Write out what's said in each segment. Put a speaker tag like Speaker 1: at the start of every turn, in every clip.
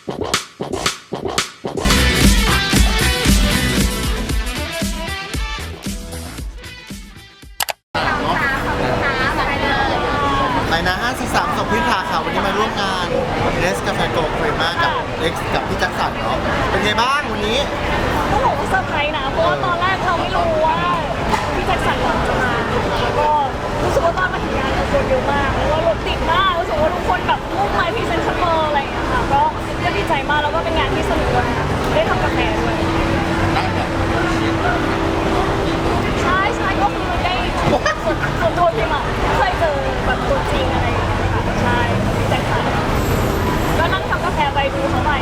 Speaker 1: ไปนะ543 2 พิธาค่ะวันนี้มาร่วมงานเนสกาแฟโกลด์เฟรม่ากับเอ็กซ์กับพี่แจ็คสันเนาะเป็นไงบ้างวันนี้
Speaker 2: ก็บอกว่าเซอร์ไพรส์นะเพราะว่าตอนแรกเราไม่รู้ว่าพี่แจ็คสันจะมาแล้วก็รู้สึกว่าตอนมาถึงงานคนเยอะมากแล้วก็รถติดมากรู้สึกว่าทุกคนแบบมุ่งหมายพรีเซนต์เบอร์อะไรอย่างเงี้ยค่ะก็ดีใจมากแล้วก็เป็นงานที่สนุกด้วยได้ทำกาแฟด้วยใช่ก็คือได้ส่วนตัวพิมอ่ะเคยเจอแบบตัวจริงอะไรอย่างเงี้ยค่ะใช่พี่แจ็คสันก็นั่งทำกาแฟไปดูเขาไป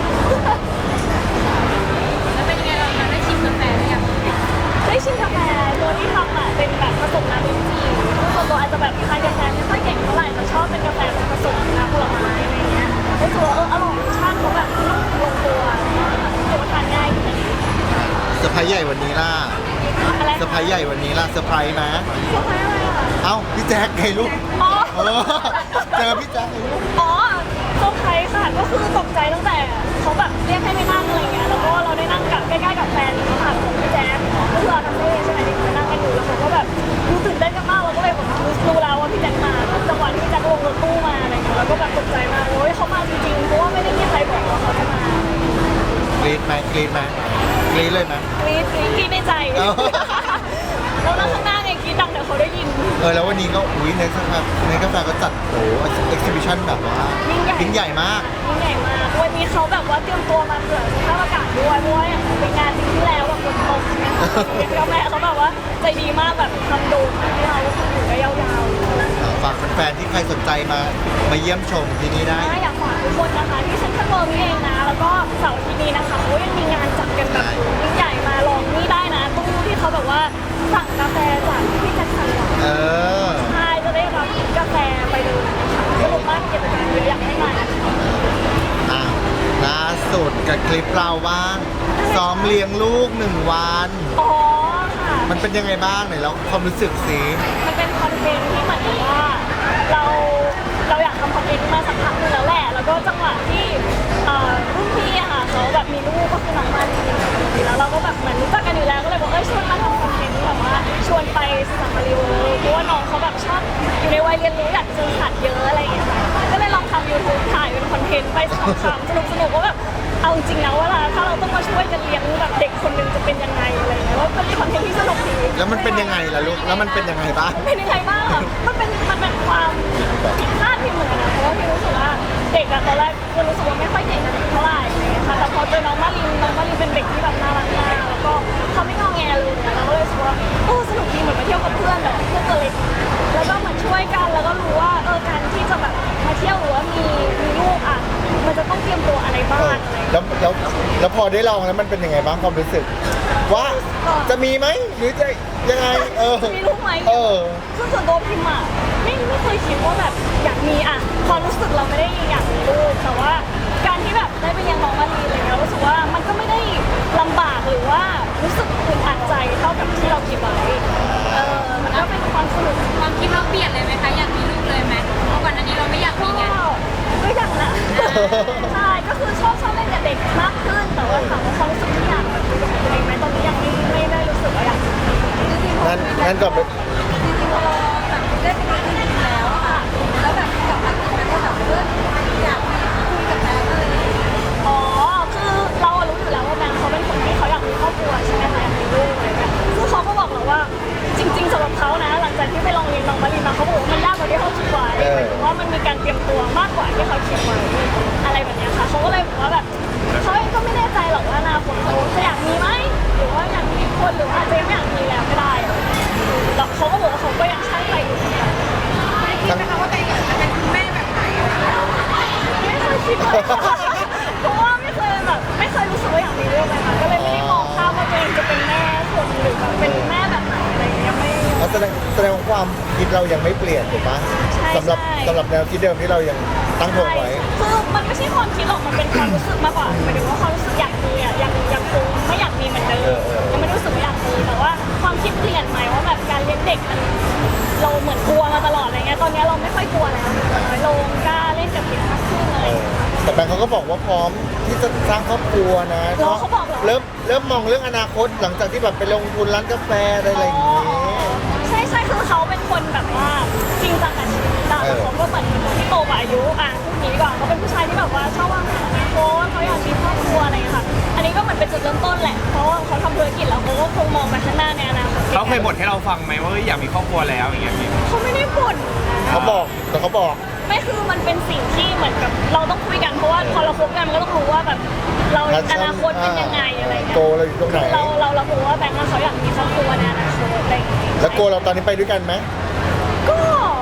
Speaker 3: แล้วเป็นยังไงเราได้ชิมกาแฟหรือยัง
Speaker 2: ได้ชิมกาแฟตัวที่ทำอ่ะเป็นแบบผสมน้ำลิ้นจี่ส่วนตัวอาจจะแบบทานกาแฟไม่ค่อยเก่งเท่าไหร่แต่ชอบเป็นกาแฟผสมน้ำผลไม้อะไรเงี้ยรู้สึกว่าอร่อยรสชาติเขาแบบนุ่มลงตัวรู้สึกว่าทานง่ายดี
Speaker 1: เซอร์ไพรส์ใหญ่วันนี้ล่ะ
Speaker 2: อะไร
Speaker 1: เซอร์ไพรส์ใหญ่วันนี้ล่ะเซอร์ไพรส์ไหม
Speaker 2: เซอร์ไพรส์อะไรอ่ะ
Speaker 1: เอ้าพี่แจ็คไงลูก
Speaker 2: อ๋อ
Speaker 1: เจอพี่แจ็คไงลูก
Speaker 2: อ๋อเซอร์ไพรส์ค่ะก็คือตกใจตั้งแต่เขาแบบเรียกให้ไปนั่งอะไรเงี้ยแล้วก็เราได้นั่งกับใกล้ๆกับแฟนเขาค่ะของพี่แจ๊คก็คืออาคาเฟ่ใช่ไหมที่เขานั่งกันอยู่แล้วเขาก็แบบรู้ตื่นเต้นกันมากเราก็เลยแบบรู้แล้วว่าพี่แจ๊คมาจังหวะที่พี่แจ๊คลงรถตู้มาอะไรเงี้ยแล้วก็แบบตกใจมากโอ้ยเขามาจริงๆเพราะว่าไม่ได้มีใครบอกว่าเขาจะมาก
Speaker 1: รี๊ดไหมกรี๊ดไหมกรี๊ดเลยไหม
Speaker 2: กรี๊ดในใจแล้วนั่งข้างหน้าไงกรี๊ดดังเดี๋ยวเขาได้ยิน
Speaker 1: แล้ววันนี้ก็ในกาแฟก็จัดโอ้เอ็กซิบิชันแบบว่ายิ่งใหญ่มาก
Speaker 2: วันนี้เขาแบบว่าเตรียมตัวมาเผื่อสภาพอากาศด้วยเพราะว่าเป็นงานที่แล้วแบบฝนตกใช่ไหมคะกาแฟเขาแบบว่าใจดีมากแบบทำโดมให้เราอยู่ได้ยาว
Speaker 1: ๆฝากแฟนๆที่ใครสนใจมาเยี่ยมชมที่นี่ได้
Speaker 2: อยากฝากทุกคนนะคะที่เซ็นทรัลเวิลด์นี่เองนะแล้วก็เสาร์ที่นี้นะคะเขายังมีงานจัดกันแบบยิ่งใหญ่มาลองนี่ได้นะตู้ที่เขาแบบว่าสั่งกาแฟจากพี่แจ็คสันใช่จะได้รับกาแฟไปเลยสนุกมากกิจกรรมเยอะอยากให้มา
Speaker 1: ล่าสุดกับคลิปเราบ้างซ้อมเลี้ยงลูก1 วัน
Speaker 2: อ๋อค่ะ
Speaker 1: มันเป็นยังไงบ้างไหนแล้วความรู้สึกสิ
Speaker 2: มันเป็นคอนเทนต์ที่เหมือนกับว่าเราอยากทำคอนเทนต์มาสักพักนึงแล้วแหละแล้วก็จังหวะที่รุ่นพี่อะค่ะเขาแบบมีลูกก็คือน้องมาลีแล้วเราก็แบบเหมือนรู้จักกันอยู่แล้วก็เลยบอกชวนมาทำคอนเทนต์แบบว่าชวนไปซาฟารีเวิลด์เพราะว่าน้องเขาแบบชอบอยู่ในวัยเรียนรู้อยากเจอสัตว์เยอะอะไรอย่างเงี้ยก็เลยลองทำ YouTube ถ่ายเป็นคอนเทนต์ไปสนุกว่าแบบเอาจริงนะว่าถ้าเราต้องมาช่วยกันเลี้ยงแบบเด็กคนนึงจะเป็นยังไงอะไรเงี้ยแล้วเป็นคอนเทนต์ที่สนุกดี
Speaker 1: แล้วมันเป็นยังไงล่ะลูกแล้วมันเป็นยังไงบ้าง
Speaker 2: เป็นยังไงบ้างมันเป็นความผิดพลาดที่เหมือนกันนะเพราะว่าพี่รู้สึกว่าเด็กอะตอนแรกคือรู้สึกว่าไม่ค่อยเก่งกันเท่าไหร่อะไรเงี้ยค่ะแต่พอเจอน้องมารินเป็นเด็กที่แบบน่ารักมากแล้วก็เขาไม่งอแงเลยเราก็เลยรู้สึกว่าสนุกดีเหมือนมาเที่ยวกับเพื่อนแบบเพื่อนตัวเล็กแล้วก็เหมือนช่วยกันแล้วก็รู้ว่าการที่จะแบบมาเที่ยวหรือว่ามีลูกอ่ะมันจะต้องเตรียมตัวอะไรบ้าง
Speaker 1: แล้วพอได้ลองแล้วมันเป็นยังไงบ้างความรู้สึกว่าจะมีไหมหรือจะยังไง
Speaker 2: มีลูกไหมคือส่วนตัวพิมอ่ะไม่เคยคิดว่าแบบอยากมีอ่ะความรู้สึกเราไม่ได้อยากมีลูกแต่ว่าการที่แบบได้ไปเลี้ยงน้องมาลีอะไรเงี้ยรู้สึกว่ามันก็ไม่ได้ลำบากหรือว่ารู้สึกอึดอัดใจเท่ากับที่เราคิดไว้มันก็เป็นความสนุก
Speaker 3: ความคิดเราเปลี่ยนเลยไหมคะอยากมีลูกเลยไหมเพราะก่อนหน้านี้เราไม่อยากมีไง
Speaker 2: ก็อยากนะใช่ก็คือชอบเล่นกับเด็กมากขึ้นแต่ว่าถามว่าความรู้สึกที่อยากแบบอยู่กับตัวเองไหมตอนนี้ยังไม่ได้รู้สึกว่าอยาก
Speaker 1: งั้นก่อนไป
Speaker 3: จริงๆเราแบบได้ไปเรียนแล้วค่ะแล้วแบบกับพักนั้นก็แบบอยากคุยกับแม่เลย
Speaker 2: คือเรารู้อยู่แล้วว่าแบงค์เขาเป็นคนที่เขาอยากมีครอบครัวใช่ไหมคะอยากมีลูกอะไรแบบซึ่งเขาก็บอกเราว่าจริงๆสำหรับเขานะหลังจากที่ไปลองเรียนน้องมารีมาเขาบอกว่ามันยากกว่าที่เขาคิดไว้หมายถึงว่ามันมีการเตรียมตัวมากกว่าที่เขาคิดไว้อะไรแบบนี้ค่ะเขาก็เลยบอกว่าแบบเขาเองก็ไม่แน่ใจหรอกว่าอนาคตเขาจะอยากมีไหมหรือว่าอยากมีคนหรือว่าอาจจะยังไม่อยากมีแล้วก็ได้แล้วเขาก็บอกว่าเขาก็ยังช่างใจอยู่เหมือนกัน
Speaker 3: คิดไหมคะว่าตัวเองจะเป็นคุณแม่แบบไหน
Speaker 2: ไม่เคยคิดเลยเพราะว่าไม่เคยรู้สึกว่าอยากมีลูกเลยค่ะก็เลยไม่ได้มองภาพว่าตัวเองจะเป็นแม่คนหรือแบบเป็นแม่แบบไหนอะไรอย่างเงี้ยไม่
Speaker 1: แสดงว่าความคิดเรายังไม่เปลี่ยนถูกปะสำหรับแนวคิดเดิมที่เรายังตั้งทงไว้
Speaker 2: คือมันไม่ใช่ความคิดหรอกมันเป็นความรู้สึกมากกว่าหมายถึงว่าความรู้สึกอยากมีอ่ะยังคงไม่อยากมีเหมือนเดิมยังไม่รู้สึกว่าอยากมีแต่ว่าความคิดเปลี่ยนใหม่ว่าแบบการเลี้ยงเด็กมันเราเหมือนกลัวมาตลอดอะไรเงี้ยตอนนี้เราไม่ค่อยกลัวแล้วน้อยลงกล้าเล่นกับเด็กมากขึ้นอะไร
Speaker 1: แต่แบงค์เขาก็บอกว่าพร้อมที่จะสร้างครอบครัวนะ
Speaker 2: เหรอเขาบอกเหรอ
Speaker 1: เริ่มมองเรื่องอนาคตหลังจากที่แบบไปลงทุนร้านกาแฟอะไรอย่างนี้
Speaker 2: ใช่คือเขาเป็นคนแบบว่าจริงจังกับชีวิตแต่เขาก็เหมือนที่โตกว่าอายุพูดนี้ก่อนเขาเป็นผู้ชายที่แบบว่าชอบวางแผนอนาคตเขาอยากมีครอบครัวอะไรอย่างเงี้ยค่ะ อันนี้ก็เหมือนเป็นจุดเริ่มต้นแหละเพราะว่าเขาทำธุรกิจแล้วเขาก็คงมองไปข้างหน้าในอนาคต
Speaker 4: เขาเคยบ่นให้เราฟังไหมว่าเฮ้ยอยากมีครอบครัวแล้วอย่างเงี้ยพี่
Speaker 2: เขาไม่ได้บ่นนะ
Speaker 1: เขาบอกแต่เขาบอก
Speaker 2: ไม่คือมันเป็นสิ่งที่เหมือนกับเราต้องคุยกันเพราะว่าพอเราคบกันมันก็ต้องรู้ว่าแบบเราอนาคตเป็นยังไงอะไรเงี้ย
Speaker 1: โกเราอยู่ตรงไหน
Speaker 2: เรารู้ว่าแบงค์เขาอยากมีครอบครัวในอนาคตอะไรอย่างเงี้ย
Speaker 1: แล้วโกเราตอนนี้ไปด้วยกันไหม
Speaker 2: ก็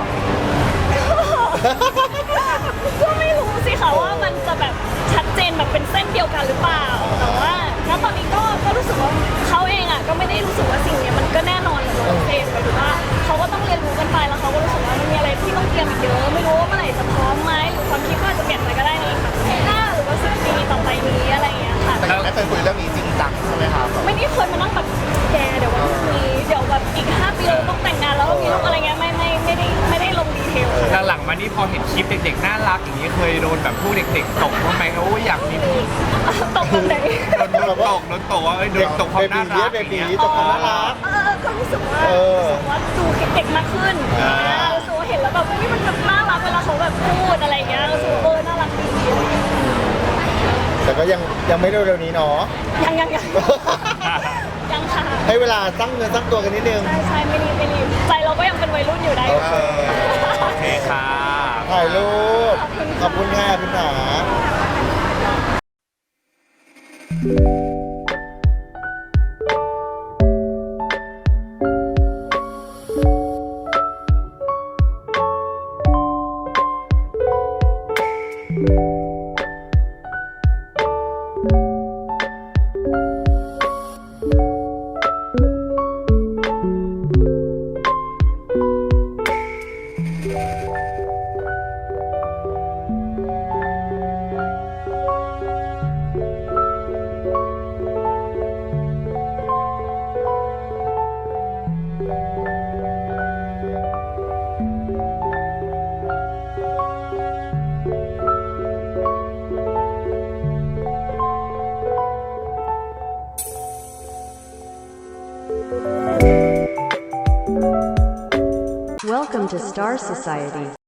Speaker 2: ไม่รู้สิค่ะว่ามันจะแบบชัดเจนแบบเป็นเส้นเดียวกันหรือเปล่า แต่ว่าณตอนนี้ก็รู้สึกว่าเขาเองอ่ะก็ไม่ได้รู้สึกว่าสิ่งเนี้ยมันก็แน่นอนเลยโอเคหมายถึงว่าเขาก็ต้องเรียนรู้กันไปแล้วเขาก็รู้สึกว่ามันมีอะไรที่ต้องเตรียมอีกเยอะไม่รู้ว่าเมื่อไหร่จะพร้อมไหมหรือความคิดก็อาจจะเปลี่ยนไปก็ได้ในแบบปีหน้าหรือว่า10 ปีต่อไปนี้อะไรอย่างเงี้ยค่ะ
Speaker 1: แต่ยังไม่เคยคุยเรื่องนี้จริงจังใช่ไหมครับ
Speaker 2: ไม่ได้เคยมานั่งแบบแกเดี๋ยววันพรุ่งนี้เดี๋ยวแบบอีก5 ปีเราต้องแต่งงานแล้วมีลูกอะไรเงี้ยไม่ได้ลงดีเทลค่ะ
Speaker 4: หลังๆมานี่พอเห็นคลิปเด็กๆน่ารักอย่างนี้เคยโดนแบบพวกเด็กๆตกบ้างไหมโอ้ยอยากมีโดน
Speaker 2: ตกกันไหน
Speaker 4: ตกว่าโดนตกความน่ารักอย่างเงี้ย
Speaker 1: ตกความน่ารัก
Speaker 2: ก็รู้สึกว่าดูเด็กมากขึ้นรู้สึกว่าเห็นแล้วแบบอุ๊ยมันแบบน่ารักเวลาเขาแบบพูดอะไรเงี้ยรู้สึกว่าน่ารักดี
Speaker 1: แต่ก็ยังไม่เร็วๆนี้เนาะ
Speaker 2: ยังค่ะ
Speaker 1: ให้เวลาตั้งเงินตั้งตัวกันนิดนึง
Speaker 2: ใช่ไม่รีบใจเราก็ยังเป็นวัยรุ่นอยู่ได้
Speaker 1: โอเค
Speaker 4: โอเคค่ะ
Speaker 1: ถ่ายรูปขอบคุณค่ะคุณหา
Speaker 5: Welcome to Star Society.